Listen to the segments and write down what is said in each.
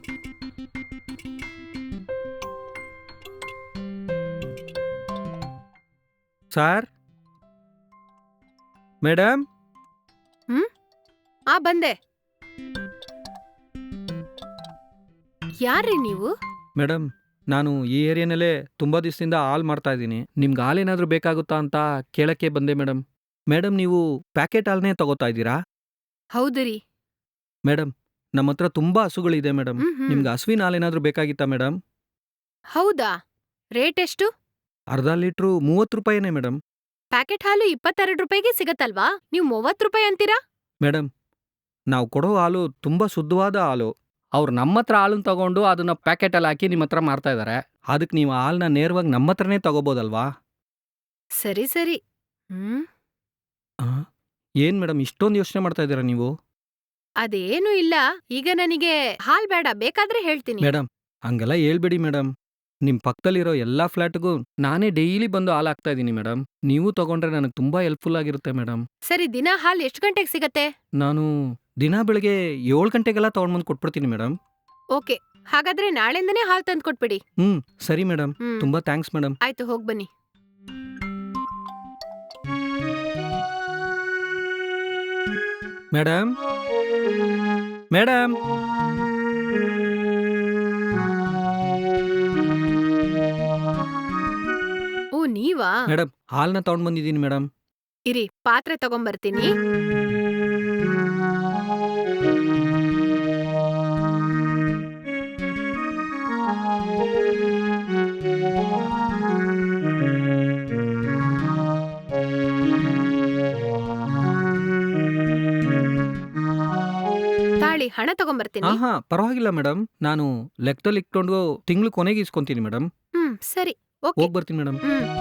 Sir madam. ಬಂದೆ. ಯಾರ್ರಿ ನೀವು? ಮೇಡಮ್, ನಾನು ಈ ಏರಿಯಾನಲ್ಲೇ ತುಂಬ ದಿವಸದಿಂದ ಹಾಲ್ ಮಾಡ್ತಾ ಇದ್ದೀನಿ. ನಿಮ್ಗೆ ಹಾಲೇನಾದರೂ ಬೇಕಾಗುತ್ತಾ ಅಂತ ಕೇಳಕ್ಕೆ ಬಂದೆ ಮೇಡಮ್. ಮೇಡಮ್, ನೀವು ಪ್ಯಾಕೆಟ್ ಹಾಲನ್ನೇ ತಗೋತಾ ಇದ್ದೀರಾ? ಹೌದು ರೀ. ಮೇಡಮ್, ನಮ್ಮ ಹತ್ರ ತುಂಬ ಹಸುಗಳಿದೆ ಮೇಡಮ್. ನಿಮ್ಗೆ ಹಸುವಿನ ಹಾಲೇನಾದರೂ ಬೇಕಾಗಿತ್ತಾ ಮೇಡಮ್? ಹೌದಾ? ರೇಟ್ ಎಷ್ಟು? ಅರ್ಧ ಲೀಟ್ರು 30 ರೂಪಾಯಿನೇ ಮೇಡಮ್. ಪ್ಯಾಕೆಟ್ ಹಾಲು 22 ರೂಪಾಯಿಗೆ ಸಿಗತ್ತಲ್ವಾ? ನೀವು 30 ರೂಪಾಯಿ ಅಂತೀರಾ? ಮೇಡಮ್, ನಾವು ಕೊಡೋ ಹಾಲು ತುಂಬ ಶುದ್ಧವಾದ ಹಾಲು. ಅವ್ರು ನಮ್ಮ ಹತ್ರ ಹಾಲನ್ನು ತಗೊಂಡು ಅದನ್ನ ಪ್ಯಾಕೆಟಲ್ಲಿ ಹಾಕಿ ನಿಮ್ಮ ಹತ್ರ ಮಾರ್ತಾ ಇದ್ದಾರೆ. ಅದಕ್ಕೆ ನೀವು ಹಾಲನ್ನ ನೇರವಾಗಿ ನಮ್ಮ ಹತ್ರನೇ ತಗೋಬೋದಲ್ವಾ? ಸರಿ ಸರಿ. ಏನು ಮೇಡಮ್, ಇಷ್ಟೊಂದು ಯೋಚನೆ ಮಾಡ್ತಾ ಇದ್ದೀರಾ ನೀವು? ಅದೇನೂ ಇಲ್ಲ. ಈಗ ನನಗೆ ಹಾಲ್ ಬೇಡ, ಬೇಕಾದ್ರೆ ಹೇಳ್ತೀನಿ. ಮೇಡಮ್, ಹಂಗೆಲ್ಲ ಹೇಳ್ಬೇಡಿ ಮೇಡಮ್. ನಿಮ್ಮ ಪಕ್ಕದಲ್ಲಿರೋ ಎಲ್ಲ ಫ್ಲ್ಯಾಟ್ಗೂ ನಾನೇ ಡೈಲಿ ಬಂದು ಹಾಲು ಹಾಕ್ತಾ ಇದ್ದೀನಿ ಮೇಡಮ್. ನೀವು ತಗೊಂಡ್ರೆ ನನಗೆ ತುಂಬ ಹೆಲ್ಪ್ಫುಲ್ ಆಗಿರುತ್ತೆ ಮೇಡಮ್. ಸರಿ, ದಿನ ಹಾಲ್ ಎಷ್ಟು ಗಂಟೆಗೆ ಸಿಗತ್ತೆ? ನಾನು ದಿನ ಬೆಳಗ್ಗೆ 7 ಗಂಟೆಗೆಲ್ಲ ತೊಗೊಂಡ್ಬಂದು ಕೊಟ್ಬಿಡ್ತೀನಿ ಮೇಡಮ್. ಓಕೆ, ಹಾಗಾದ್ರೆ ನಾಳೆಯಿಂದನೇ ಹಾಲ್ ತಂದು ಕೊಟ್ಬಿಡಿ. ಸರಿ ಮೇಡಮ್. ತುಂಬ ಥ್ಯಾಂಕ್ಸ್ ಮೇಡಮ್. ಆಯ್ತು, ಹೋಗ್ಬನ್ನಿ. Madam, madam. ಓ, ನೀವಾ? ಮೇಡಮ್, ಹಾಲನ್ನ ತಗೊಂಡ್ ಬಂದಿದ್ದೀನಿ ಮೇಡಮ್. ಇರಿ, ಪಾತ್ರೆ ತಗೊಂಬರ್ತೀನಿ. ತಾಳಿ, ಹಣ ತಗೊಂಬರ್ತೀನಿ. ಪರವಾಗಿಲ್ಲ ಮೇಡಮ್. ನಾನು ಲೆಕ್ಕದಲ್ಲಿ ಇಟ್ಕೊಂಡು ತಿಂಗಳು ಕೊನೆಗೆ ಇಸ್ಕೊಂತೀನಿ ಮೇಡಮ್. ಸರಿ, ಓಕೆ. ಹೋಗಿ ಬರ್ತೀನಿ ಮೇಡಮ್.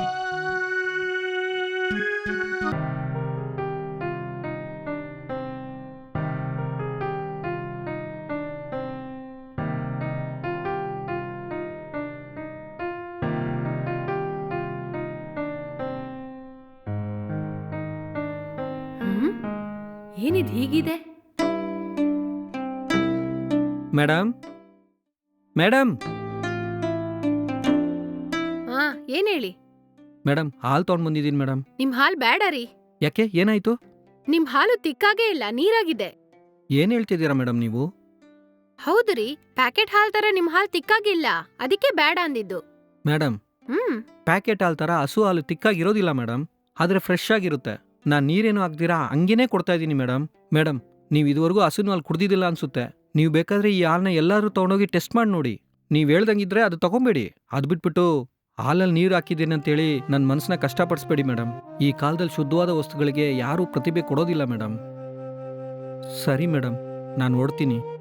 ಏನಿದ್ ಹೀಗಿದೆ? Madam, madam. ಏನ್ ಹೇಳಿ? ಮೇಡಮ್, ಹಾಲು ತಗೊಂಡ್ ಬಂದಿದ್ದೀನಿ ಮೇಡಮ್. ನಿಮ್ ಹಾಲ್ ಬೇಡ ರೀ. ಯಾಕೆ, ಏನಾಯ್ತು? ನಿಮ್ ಹಾಲು ತಿಕ್ಕಾಗೇ ಇಲ್ಲ, ನೀರಾಗಿದೆ. ಏನ್ ಹೇಳ್ತಿದ್ದೀರಾ ಮೇಡಮ್ ನೀವು? ಹೌದು ರೀ, ಪ್ಯಾಕೆಟ್ ಹಾಲ್ ತರ ನಿಮ್ ಹಾಲ್ ತಿಕ್ಕಾಗಿಲ್ಲ, ಅದಕ್ಕೆ ಬೇಡ ಅಂದಿದ್ದು. ಮೇಡಮ್, ಪ್ಯಾಕೆಟ್ ಹಾಲ್ ತರ ಹಸು ಹಾಲು ತಿಕ್ಕಾಗಿರೋದಿಲ್ಲ ಮೇಡಮ್. ಆದ್ರೆ ಫ್ರೆಶ್ ಆಗಿರುತ್ತೆ. ನಾನು ನೀರೇನು ಹಾಕ್ದಿರಾ ಹಂಗೇನೆ ಕೊಡ್ತಾ ಇದ್ದೀನಿ ಮೇಡಮ್. ಮೇಡಮ್, ನೀವು ಇದುವರೆಗೂ ಹಸುನ ಹಾಲು ಕುಡ್ದಿದ್ದಿಲ್ಲ ಅನ್ಸುತ್ತೆ. ನೀವು ಬೇಕಾದ್ರೆ ಈ ಹಾಲನ್ನ ಎಲ್ಲರೂ ತಗೊಂಡೋಗಿ ಟೆಸ್ಟ್ ಮಾಡಿ ನೋಡಿ. ನೀವು ಹೇಳ್ದಂಗಿದ್ರೆ ಅದು ತಗೊಂಬೇಡಿ. ಅದು ಬಿಟ್ಬಿಟ್ಟು ಹಾಲಲ್ಲಿ ನೀರು ಹಾಕಿದ್ದೀನಿ ಅಂತೇಳಿ ನನ್ನ ಮನಸ್ಸನ್ನ ಕಷ್ಟಪಡಿಸ್ಬೇಡಿ ಮೇಡಮ್. ಈ ಕಾಲದಲ್ಲಿ ಶುದ್ಧವಾದ ವಸ್ತುಗಳಿಗೆ ಯಾರೂ ಪ್ರತಿಭೆ ಕೊಡೋದಿಲ್ಲ ಮೇಡಮ್. ಸರಿ ಮೇಡಮ್, ನಾನು ಹೊರಡ್ತೀನಿ.